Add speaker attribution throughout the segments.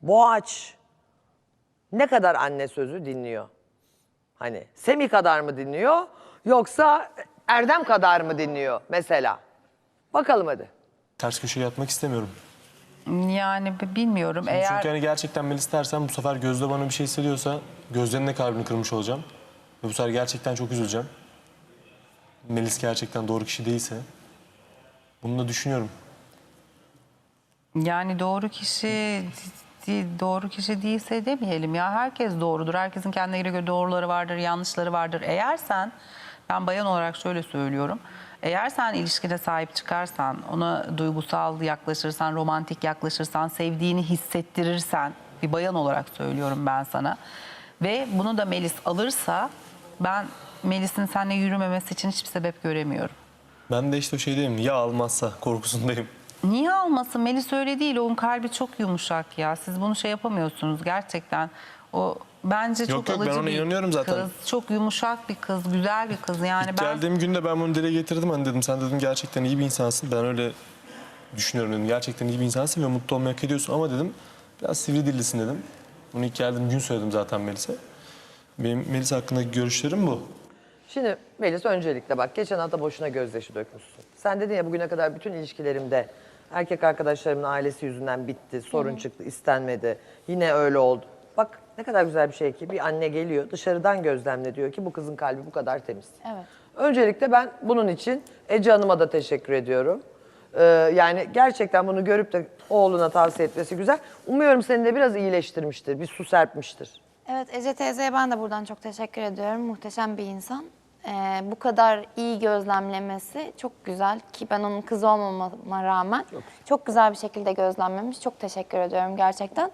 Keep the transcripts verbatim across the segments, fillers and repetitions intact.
Speaker 1: Boğaç ne kadar anne sözü dinliyor? Hani Semih kadar mı dinliyor yoksa Erdem kadar mı dinliyor mesela? Bakalım hadi.
Speaker 2: Ters köşeye yatmak istemiyorum.
Speaker 3: Yani b- bilmiyorum. Eğer
Speaker 2: Çünkü hani gerçekten Melis dersen bu sefer Gözde bana bir şey hissediyorsa Gözde'nin de kalbini kırmış olacağım. Ve bu sefer gerçekten çok üzüleceğim. Melis gerçekten doğru kişi değilse. Bunu da düşünüyorum.
Speaker 3: yani doğru kişi di- doğru kişi değilse demeyelim ya. Herkes doğrudur. Herkesin kendine göre doğruları vardır, yanlışları vardır. Eğer sen, ben bayan olarak şöyle söylüyorum. Eğer sen ilişkine sahip çıkarsan, ona duygusal yaklaşırsan, romantik yaklaşırsan, sevdiğini hissettirirsen, bir bayan olarak söylüyorum ben sana. Ve bunu da Melis alırsa, ben Melis'in seninle yürümemesi için hiçbir sebep göremiyorum.
Speaker 2: Ben de işte o şeydeyim. Ya almazsa korkusundayım.
Speaker 3: Niye almasın? Melis öyle değil. Onun kalbi çok yumuşak ya. Siz bunu şey yapamıyorsunuz gerçekten. O bence çok
Speaker 2: yok, ben
Speaker 3: alıcı
Speaker 2: ona
Speaker 3: bir
Speaker 2: inanıyorum zaten.
Speaker 3: kız. Çok yumuşak bir kız, güzel bir kız. Yani
Speaker 2: İlk
Speaker 3: ben
Speaker 2: geldiğim günde ben bunu dile getirdim. Hani dedim sen dedim gerçekten iyi bir insansın. Ben öyle düşünüyorum dedim. Gerçekten iyi bir insansın ve mutlu olmayı hak ediyorsun. Ama dedim biraz sivri dillisin dedim. Bunu ilk geldiğim gün söyledim zaten Melis'e. Benim Melis hakkındaki görüşlerim bu.
Speaker 1: Şimdi Melis öncelikle bak geçen hafta boşuna gözyaşı dökmüşsün. Sen dedin ya bugüne kadar bütün ilişkilerimde erkek arkadaşlarımın ailesi yüzünden bitti, sorun çıktı, istenmedi. Yine öyle oldu. Bak ne kadar güzel bir şey ki bir anne geliyor dışarıdan gözlemle diyor ki bu kızın kalbi bu kadar temiz.
Speaker 4: Evet.
Speaker 1: Öncelikle ben bunun için Ece Hanım'a da teşekkür ediyorum. Ee, yani gerçekten bunu görüp de oğluna tavsiye etmesi güzel. Umuyorum seni de biraz iyileştirmiştir, bir su serpmiştir.
Speaker 4: Evet, Ece teyzeye ben de buradan çok teşekkür ediyorum. Muhteşem bir insan. Ee, bu kadar iyi gözlemlemesi çok güzel ki ben onun kızı olmama rağmen çok, çok güzel bir şekilde gözlemlemiş. Çok teşekkür ediyorum gerçekten.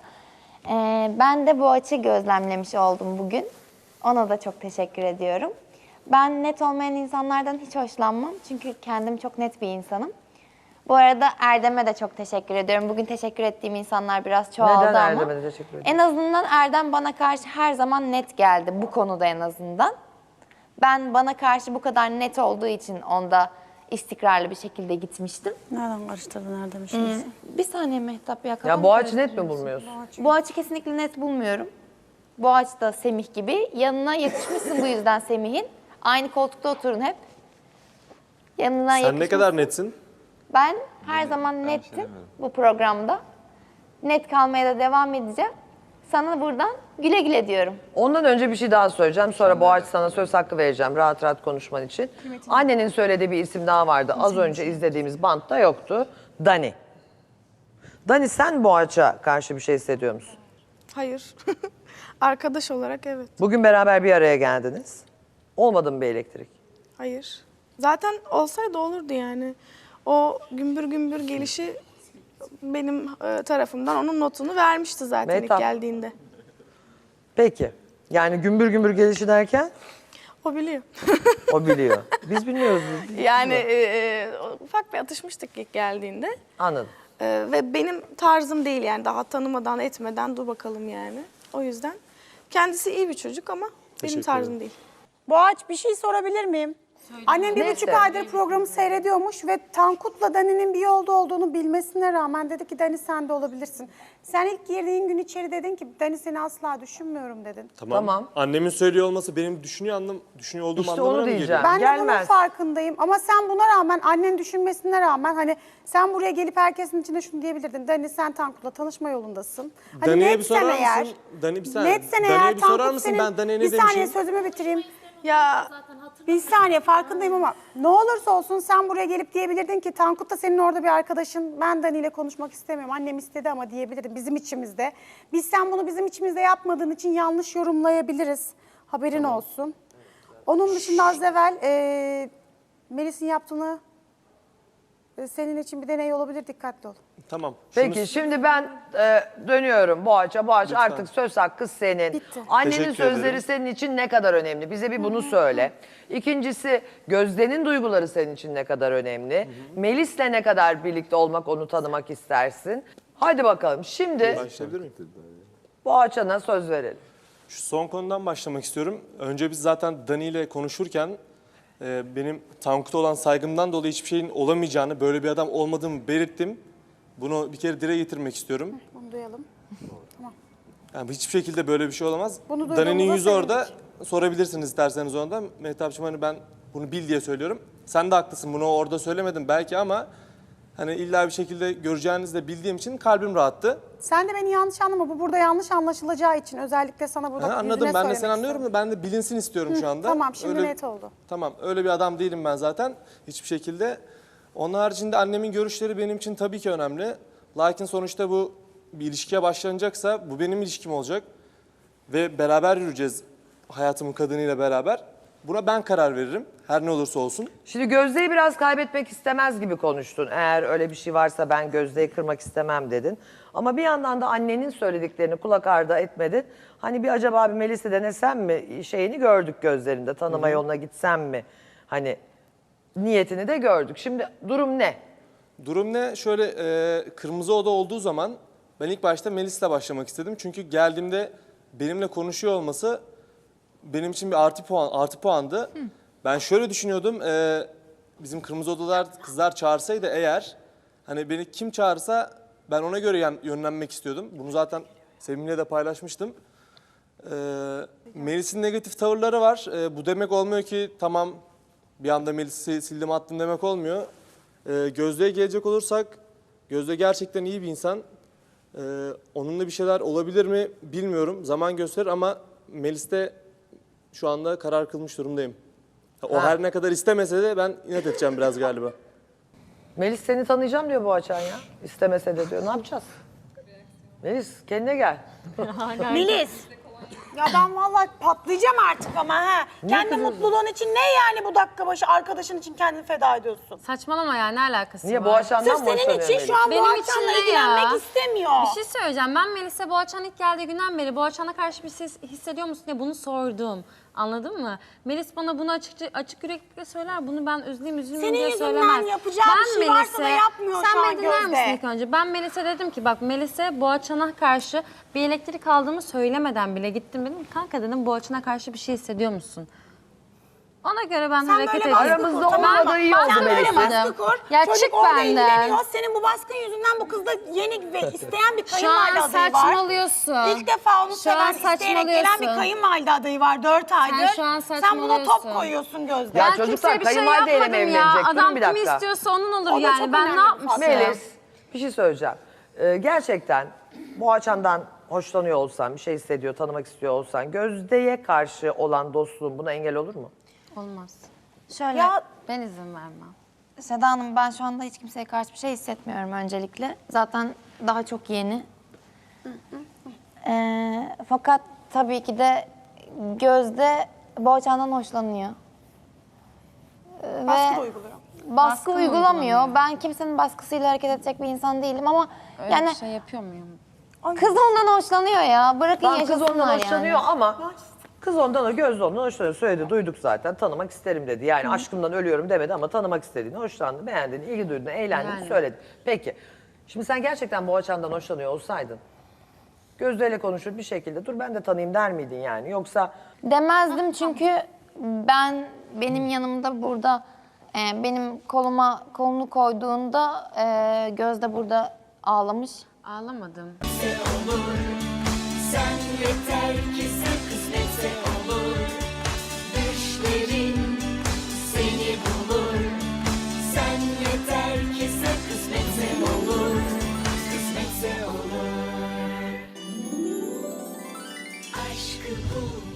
Speaker 4: Ee, ben de bu açı gözlemlemiş oldum bugün. Ona da çok teşekkür ediyorum. Ben net olmayan insanlardan hiç hoşlanmam. Çünkü kendim çok net bir insanım. Bu arada Erdem'e de çok teşekkür ediyorum. Bugün teşekkür ettiğim insanlar biraz çoğaldı
Speaker 1: Neden
Speaker 4: ama.
Speaker 1: Erdem'e de teşekkür ediyorsun?
Speaker 4: En azından Erdem bana karşı her zaman net geldi bu konuda en azından. Ben bana karşı bu kadar net olduğu için onda istikrarlı bir şekilde gitmiştim.
Speaker 5: Nereden karıştırdın Erdem'i şimdi?
Speaker 4: Bir saniye Mehtap ya.
Speaker 1: Ya
Speaker 4: kafamı
Speaker 1: Boğaç'ı net mi
Speaker 4: karıştırıyorsun.
Speaker 1: bulmuyorsun?
Speaker 4: Boğaç'ı kesinlikle net bulmuyorum. Boğaç da Semih gibi. Yanına yetişmişsin bu yüzden Semih'in. Aynı koltukta oturun hep. Yanına
Speaker 2: Sen ne
Speaker 4: yakışmışsın.
Speaker 2: kadar netsin?
Speaker 4: Ben her zaman nettim bu programda. Net kalmaya da devam edeceğim. Sana buradan güle güle diyorum.
Speaker 1: Ondan önce bir şey daha söyleyeceğim. Sonra Boğaç sana söz hakkı vereceğim rahat rahat konuşman için. Annenin söylediği bir isim daha vardı. Az önce izlediğimiz bantta yoktu. Dani. Dani sen Boğaç'a karşı bir şey hissediyor musun?
Speaker 5: Hayır. Arkadaş olarak evet.
Speaker 1: Bugün beraber bir araya geldiniz. Olmadı mı bir elektrik?
Speaker 5: Hayır. Zaten olsaydı olurdu yani. O gümbür gümbür gelişi benim e, tarafımdan onun notunu vermişti zaten
Speaker 1: Mehtap.
Speaker 5: ilk geldiğinde.
Speaker 1: Peki. Yani gümbür gümbür gelişi derken
Speaker 5: O biliyor.
Speaker 1: o biliyor. Biz bilmiyoruz. Biz
Speaker 5: yani e, e, ufak bir atışmıştık ilk geldiğinde.
Speaker 1: Anladım.
Speaker 5: E, ve benim tarzım değil yani daha tanımadan etmeden dur bakalım yani. O yüzden kendisi iyi bir çocuk ama benim
Speaker 2: Teşekkür
Speaker 5: tarzım
Speaker 2: ederim.
Speaker 5: değil.
Speaker 6: Boğaç bir şey sorabilir miyim? Annem bir
Speaker 1: Neyse.
Speaker 6: buçuk aydır programı seyrediyormuş ve Tankut'la Dani'nin bir yolda olduğunu bilmesine rağmen dedi ki Dani sen de olabilirsin. Sen ilk girdiğin gün içeri dedin ki Dani seni asla düşünmüyorum dedin.
Speaker 2: Tamam.
Speaker 1: Tamam.
Speaker 2: Annemin söylüyor olması benim düşünüyor anlam düşünüyor olduğum
Speaker 1: İşte
Speaker 2: anlamına
Speaker 1: onu
Speaker 2: mı geliyor?
Speaker 1: diyeceğim.
Speaker 6: Ben de bunun
Speaker 1: Gelmez.
Speaker 6: farkındayım ama sen buna rağmen annen düşünmesine rağmen hani sen buraya gelip herkesin içinde şunu diyebilirdin. Dani sen Tankut'la tanışma yolundasın. Hani
Speaker 2: Dani'ye bir
Speaker 6: netsen
Speaker 2: sorar
Speaker 6: eğer,
Speaker 2: mısın? Dani bir saniye.
Speaker 6: netsen
Speaker 2: Dani'ye
Speaker 6: eğer
Speaker 2: bir sorar
Speaker 6: Tankut
Speaker 2: mısın?
Speaker 6: senin...
Speaker 2: Ben Dani'ye ne
Speaker 6: bir saniye
Speaker 2: demişim?
Speaker 6: sözümü bitireyim.
Speaker 5: Ya
Speaker 6: Bir saniye farkındayım ama ne olursa olsun sen buraya gelip diyebilirdin ki Tankut da senin orada bir arkadaşın. Ben Dani ile konuşmak istemiyorum. Annem istedi ama diyebilirdin bizim içimizde. Biz sen bunu bizim içimizde yapmadığın için yanlış yorumlayabiliriz. Haberin olsun. Onun dışında az evvel e, Melis'in yaptığını e, senin için bir deney olabilir. Dikkatli ol.
Speaker 2: Tamam.
Speaker 1: Peki
Speaker 2: Şunu-
Speaker 1: şimdi ben e, dönüyorum Boğaç'a. Boğaç
Speaker 2: Lütfen.
Speaker 1: artık söz hakkı senin.
Speaker 6: Bitti.
Speaker 1: Annenin
Speaker 2: Teşekkür
Speaker 1: sözleri
Speaker 2: ederim.
Speaker 1: senin için ne kadar önemli? Bize bir bunu söyle. İkincisi Gözde'nin duyguları senin için ne kadar önemli? Melis'le ne kadar birlikte olmak, onu tanımak istersin? Hadi bakalım. Şimdi
Speaker 2: Başlayabilir miyim?
Speaker 1: Boğaç'a söz verelim.
Speaker 2: Şu son konudan başlamak istiyorum. Önce biz zaten Dani ile konuşurken e, benim Tankut'a olan saygımdan dolayı hiçbir şeyin olamayacağını, böyle bir adam olmadığımı belirttim. Bunu bir kere dile getirmek istiyorum.
Speaker 6: Onu duyalım.
Speaker 2: Yani hiçbir şekilde böyle bir şey olamaz.
Speaker 6: Bunu duyduğumuza
Speaker 2: Dani'nin yüzü orada.
Speaker 6: sevindik.
Speaker 2: Sorabilirsiniz isterseniz ondan. Mehtapçığım hani ben bunu bil diye söylüyorum. Sen de haklısın, bunu orada söylemedim belki ama hani illa bir şekilde göreceğinizi de bildiğim için kalbim rahattı.
Speaker 6: Sen de beni yanlış anlama. Bu burada yanlış anlaşılacağı için özellikle sana burada
Speaker 2: Ha,
Speaker 6: yüzüne
Speaker 2: anladım, ben de
Speaker 6: söylemek
Speaker 2: seni anlıyorum
Speaker 6: istedim.
Speaker 2: da ben de bilinsin istiyorum şu anda.
Speaker 6: Tamam, şimdi
Speaker 2: Öyle-
Speaker 6: net oldu.
Speaker 2: Tamam, öyle bir adam değilim ben zaten hiçbir şekilde. Onun haricinde annemin görüşleri benim için tabii ki önemli. Lakin sonuçta bu bir ilişkiye başlanacaksa bu benim ilişkim olacak. Ve beraber yürüyeceğiz hayatımın kadınıyla beraber. Buna ben karar veririm her ne olursa olsun.
Speaker 1: Şimdi Gözde'yi biraz kaybetmek istemez gibi konuştun. Eğer öyle bir şey varsa ben Gözde'yi kırmak istemem dedin. Ama bir yandan da annenin söylediklerini kulak ardı etmedin. Hani bir acaba bir Melis'i denesem mi şeyini gördük gözlerinde. Tanıma yoluna gitsem mi? Hani niyetini de gördük. Şimdi durum ne?
Speaker 2: Durum ne? Şöyle e, Kırmızı Oda olduğu zaman ben ilk başta Melis'le başlamak istedim. Çünkü geldiğimde benimle konuşuyor olması benim için bir artı puan artı puandı. Ben şöyle düşünüyordum. e, bizim Kırmızı Odalar kızlar çağırsaydı eğer hani beni kim çağırsa ben ona göre yan- yönlenmek istiyordum. Bunu zaten Sevim'le de paylaşmıştım. E, Melis'in negatif tavırları var. E, bu demek olmuyor ki tamam bir anda Melis'i sildim attım demek olmuyor. E, Gözde'ye gelecek olursak Gözde gerçekten iyi bir insan. E, onunla bir şeyler olabilir mi bilmiyorum. Zaman gösterir ama Melis'te şu anda karar kılmış durumdayım. O
Speaker 1: Ha.
Speaker 2: her ne kadar istemese de ben inat edeceğim biraz galiba.
Speaker 1: Melis seni tanıyacağım diyor bu açan ya. İstemese de diyor. Ne yapacağız? Melis kendine gel.
Speaker 6: Melis. Ya ben vallahi patlayacağım artık ama ha. Kendi mutluluğun için ne yani bu dakika başı arkadaşın için kendini feda ediyorsun?
Speaker 7: Saçmalama ya, ne alakası
Speaker 1: Niye
Speaker 7: var?
Speaker 1: Boğaçan'dan
Speaker 6: Sırf
Speaker 1: mı
Speaker 6: senin
Speaker 1: hoşlanıyor
Speaker 6: için
Speaker 1: Melis?
Speaker 6: şu an
Speaker 7: Benim
Speaker 6: bu
Speaker 7: için
Speaker 6: akşamla
Speaker 7: ne
Speaker 6: ilgilenmek
Speaker 7: ya?
Speaker 6: istemiyor.
Speaker 7: Bir şey söyleyeceğim. Ben Melis'e Boğaçan ilk geldiği günden beri Boğaçan'a karşı bir şey hissediyor musun diye bunu sordum. Anladın mı? Melis bana bunu açıkça, açık yürekli söyler. Bunu ben üzüleyim üzülmeyeyim
Speaker 6: Senin
Speaker 7: diye
Speaker 6: yüzünden
Speaker 7: söylemez.
Speaker 6: yapacağı bir şey varsa da yapmıyor
Speaker 7: sen
Speaker 6: şu an
Speaker 7: beni dinler
Speaker 6: Gözde.
Speaker 7: misin ilk önce? Ben Melis'e dedim ki bak Melis'e Boğaçan'a karşı bir elektrik aldığımı söylemeden bile gittim. Dedim kanka dedim Boğaçan'a karşı bir şey hissediyor musun? Ona göre ben
Speaker 6: Sen
Speaker 7: hareket
Speaker 6: böyle
Speaker 7: edeyim.
Speaker 6: baskı
Speaker 1: Aramızda
Speaker 6: kur, tamam mı?
Speaker 1: olmadığı iyi
Speaker 6: Sen
Speaker 1: oldu
Speaker 6: böyle
Speaker 1: Melis'in.
Speaker 6: baskı kur.
Speaker 7: Ya
Speaker 6: Çocuk
Speaker 7: çık
Speaker 6: orada
Speaker 7: benden.
Speaker 6: ilgileniyor. Senin bu baskın yüzünden bu kızda yeni ve isteyen bir
Speaker 7: Şu
Speaker 6: kayınvalide
Speaker 7: an
Speaker 6: adayı var.
Speaker 7: saçmalıyorsun.
Speaker 6: İlk defa onu
Speaker 7: Şu
Speaker 6: seven,
Speaker 7: an
Speaker 6: isteyerek gelen bir
Speaker 7: saçmalıyorsun.
Speaker 6: kayınvalide adayı var dört aydır.
Speaker 7: şu an
Speaker 6: Sen buna top
Speaker 7: saçmalıyorsun.
Speaker 6: koyuyorsun Gözde.
Speaker 1: Ya
Speaker 7: Ben
Speaker 1: çocuklar,
Speaker 7: kimseye bir şey
Speaker 1: kayınvalideyle mi
Speaker 7: yapmadım ya.
Speaker 1: evlenecek? Durun
Speaker 7: Adam
Speaker 1: bir
Speaker 7: kimi
Speaker 1: dakika.
Speaker 7: istiyorsa onun olur
Speaker 6: O da çok
Speaker 7: yani. Ben
Speaker 6: önemli
Speaker 7: ne
Speaker 6: bir
Speaker 7: yapmışım?
Speaker 1: Melis bir şey söyleyeceğim. Ee, gerçekten Boğaçan'dan hoşlanıyor olsan, bir şey hissediyor, tanımak istiyor olsan Gözde'ye karşı olan dostluğun buna engel olur mu?
Speaker 7: Olmaz.
Speaker 4: Şöyle,
Speaker 6: Ya
Speaker 7: Ben izin vermem.
Speaker 4: Seda Hanım ben şu anda hiç kimseye karşı bir şey hissetmiyorum öncelikle. Zaten daha çok yeni. Ee, fakat tabii ki de Gözde Boğaçan'dan hoşlanıyor. Ee,
Speaker 6: baskı
Speaker 4: ve
Speaker 6: da uyguluyor.
Speaker 4: baskı,
Speaker 7: Baskı
Speaker 4: uygulamıyor.
Speaker 7: uygulamıyor.
Speaker 4: Ben kimsenin baskısıyla hareket edecek bir insan değilim ama
Speaker 7: Öyle
Speaker 4: yani
Speaker 7: bir şey yapıyor muyum?
Speaker 4: kız ondan hoşlanıyor ya. Bırakın
Speaker 1: Tamam, kız
Speaker 4: yaşasınlar
Speaker 1: ondan
Speaker 4: yani.
Speaker 1: hoşlanıyor ama kız ondan o Gözde ondan hoşlanıyor. Söyledi, duyduk zaten. Tanımak isterim dedi. Yani aşkımdan ölüyorum demedi ama tanımak istediğini, hoşlandı, beğendiğini, ilgi duyduğunu, eğlendiğini
Speaker 7: Yani.
Speaker 1: söyledi. Peki. Şimdi sen gerçekten Boğaçan'dan hoşlanıyor olsaydın Gözde'yle konuşur bir şekilde dur ben de tanıyayım der miydin yani? Yoksa
Speaker 4: Demezdim çünkü ben benim yanımda burada e, benim koluma kolunu koyduğunda e, Gözde burada ağlamış.
Speaker 7: Ağlamadım.
Speaker 8: Sen yeter ki sen kısmetse olur. Düşlerin seni bulur. Sen yeter ki sen kısmetse olur. Kısmetse olur. Aşkı bul.